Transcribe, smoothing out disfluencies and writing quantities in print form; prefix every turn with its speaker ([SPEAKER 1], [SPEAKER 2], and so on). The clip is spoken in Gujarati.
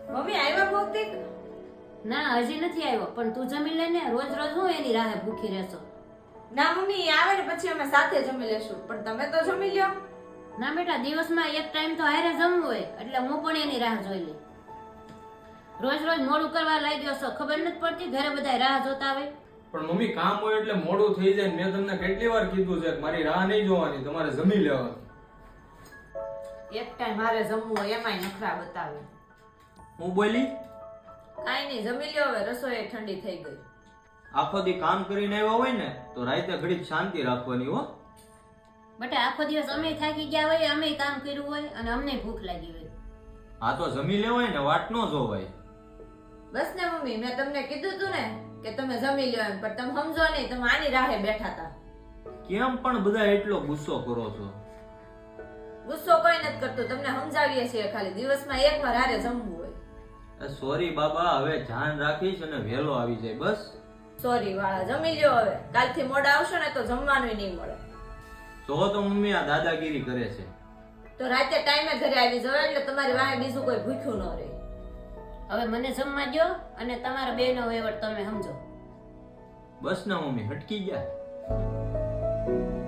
[SPEAKER 1] મમ્મી આવ્યા ભૌતિક?
[SPEAKER 2] ના હજી નથી આવ્યો, પણ તું જમી લે ને. રોજ રોજ હું એની રાહે ભૂખી રહેશો?
[SPEAKER 1] ના મમ્મી, એ આવે ને પછી અમે સાથે જમી લેશું, પણ તમે તો જમી લ્યો.
[SPEAKER 2] ના બેટા, દિવસમાં એક ટાઈમ તો હારે જમવું હોય, એટલે હું પણ એની રાહ જોઈ લઈ. રોજ રોજ મોડું કરવા લાગ્યો છો, ખબર નથી પડતી? ઘરે બધા રાહ જોતા આવે.
[SPEAKER 3] પણ મમ્મી કામ હોય એટલે મોડું થઈ જાય. મેં તમને કેટલી વાર કીધું છે કે મારી રાહ નહીં જોવાની, તમારે જમી લેવાની.
[SPEAKER 1] એક ટાઈમ મારે જમવું હોય એમાંય નખરા બતાવે.
[SPEAKER 4] હું બોલી?
[SPEAKER 1] કાઈ નહીં, જમી લ્યો હવે, રસોઈ ઠંડી થઈ ગઈ.
[SPEAKER 4] આખો દી કામ કરીને આવ્યા હોય ને તો રાતે ઘડીક શાંતિ રાખવાની હો.
[SPEAKER 2] બેટા, આખો દિવસ અમે થાકી ગયા હોય, અમે કામ કર્યું હોય અને અમને ભૂખ લાગી હોય.
[SPEAKER 4] આ તો જમી લેવાય ને, વાટ ન જોવાય.
[SPEAKER 1] બસ ને મમ્મી, મેં તમને કીધું તું ને કે તમે જમી લ્યો એમ, પણ તમે સમજો નહીં, તમે આની રાહે બેઠા હતા.
[SPEAKER 4] કેમ પણ બધા એટલો ગુસ્સો કરો છો?
[SPEAKER 1] ગુસ્સો કોઈ નથી કરતું, તમને સમજાવીએ છીએ ખાલી. દિવસમાં એકવાર હારે જમવું હોય.
[SPEAKER 4] સોરી બાબા, હવે ધ્યાન રાખીશ અને વહેલો આવી જાય બસ.
[SPEAKER 1] સોરી વાળા, જમી લ્યો હવે. કાલથી મોડા આવશો ને તો જમવાનું નહીં મળે.
[SPEAKER 4] જો તો મમ્મી આ દાદાગીરી કરે છે.
[SPEAKER 1] તો રાતે ટાઈમે ઘરે આવી જવાય, એટલે તમારી વાહે બીજું કોઈ ભૂખ્યું ન રહે.
[SPEAKER 2] હવે મને જમવા દો અને તમારા બેનો વહીવટ તમે સમજો.
[SPEAKER 4] બસ ને મમ્મી, હટકી ગયા.